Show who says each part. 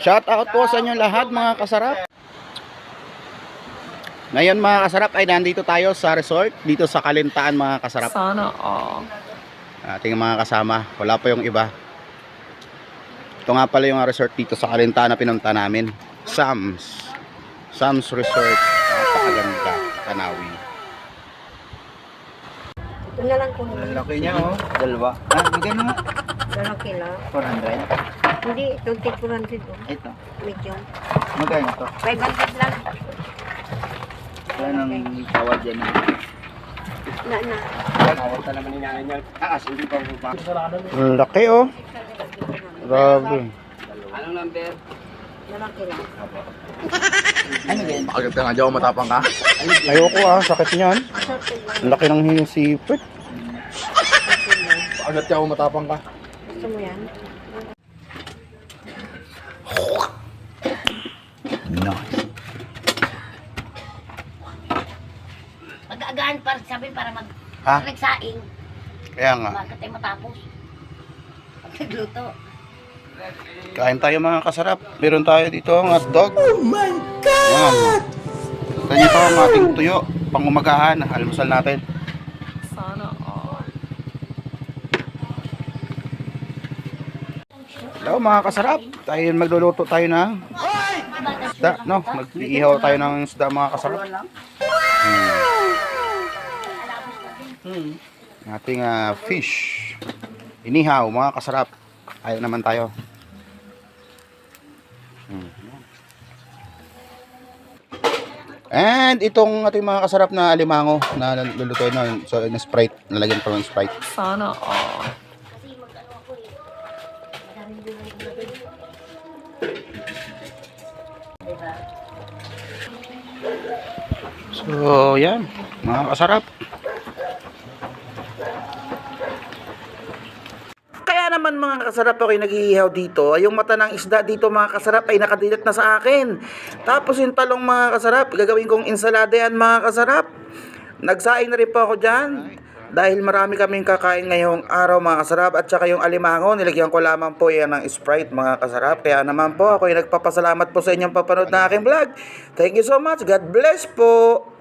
Speaker 1: Shout out po sa inyo lahat mga kasarap. Ngayon mga kasarap ay nandito tayo sa resort dito sa Kalintaan mga kasarap.
Speaker 2: Sana all.
Speaker 1: Ating mga kasama, wala pa yung iba. Ito nga pala yung resort dito sa Kalintaan na pinunta namin. Sam's Resort. Napakaganda, Tanawi.
Speaker 3: Ito na lang kung
Speaker 4: Laki niya oh. Dalawa. Ah, magkano nga?
Speaker 3: lalaki lang.
Speaker 4: 400.
Speaker 3: Hindi, 2400 oh.
Speaker 4: Ito.
Speaker 3: Medium.
Speaker 4: Magkano to?
Speaker 3: 500 lang.
Speaker 4: Yan ang tawad dyan.
Speaker 3: Na.
Speaker 4: Tawad ka naman ni nanay niya. Taas, hindi pa pa.
Speaker 1: Ang laki oh. Grabe.
Speaker 4: Anong number?
Speaker 3: Lalaki lang.
Speaker 4: Ano ganyan?
Speaker 1: Bakit ka nga dyan matapang ka? Ayoko sakit niyan.
Speaker 3: Assorted lang.
Speaker 1: Ang laki ng sipit.
Speaker 3: Assorted lang.
Speaker 1: Bakit ka matapang ka?
Speaker 3: Gusto mo yan?
Speaker 1: Nice.
Speaker 5: Mag-aagaan para sabi para
Speaker 1: Ha?
Speaker 5: nagsaing.
Speaker 1: Kaya nga.
Speaker 5: Bakit tayo matapos? Pag nagluto.
Speaker 1: Kain tayo mga kasarap. Meron tayo dito ang hotdog. Oh my God! Ito nito ang ating tuyo. Pangumagahan. Almusal natin.
Speaker 2: Sana all.
Speaker 1: Hello mga kasarap. Tayo magluluto tayo ng isda. No? Mag-iihaw tayo ng isda mga kasarap. Ating fish. Inihaw mga kasarap. Ayaw naman tayo. And itong ating mga kasarap na alimango na lulutuin na, so na Sprite, nalagyan pa ng Sprite.
Speaker 2: Sana all.
Speaker 1: So yan, mga kasarap. Kaya naman mga kasarap ako yung nag-iihaw dito. Yung mata ng isda dito mga kasarap ay nakadilat na sa akin. Tapos yung talong mga kasarap, gagawin kong ensalada yan mga kasarap. Nagsaing na rin po ako dyan. Dahil marami kaming kakain ngayong araw mga kasarap. At saka yung alimango, nilagyan ko lamang po yan ng Sprite mga kasarap. Kaya naman po ako yung nagpapasalamat po sa inyong papanood na aking vlog. Thank you so much. God bless po.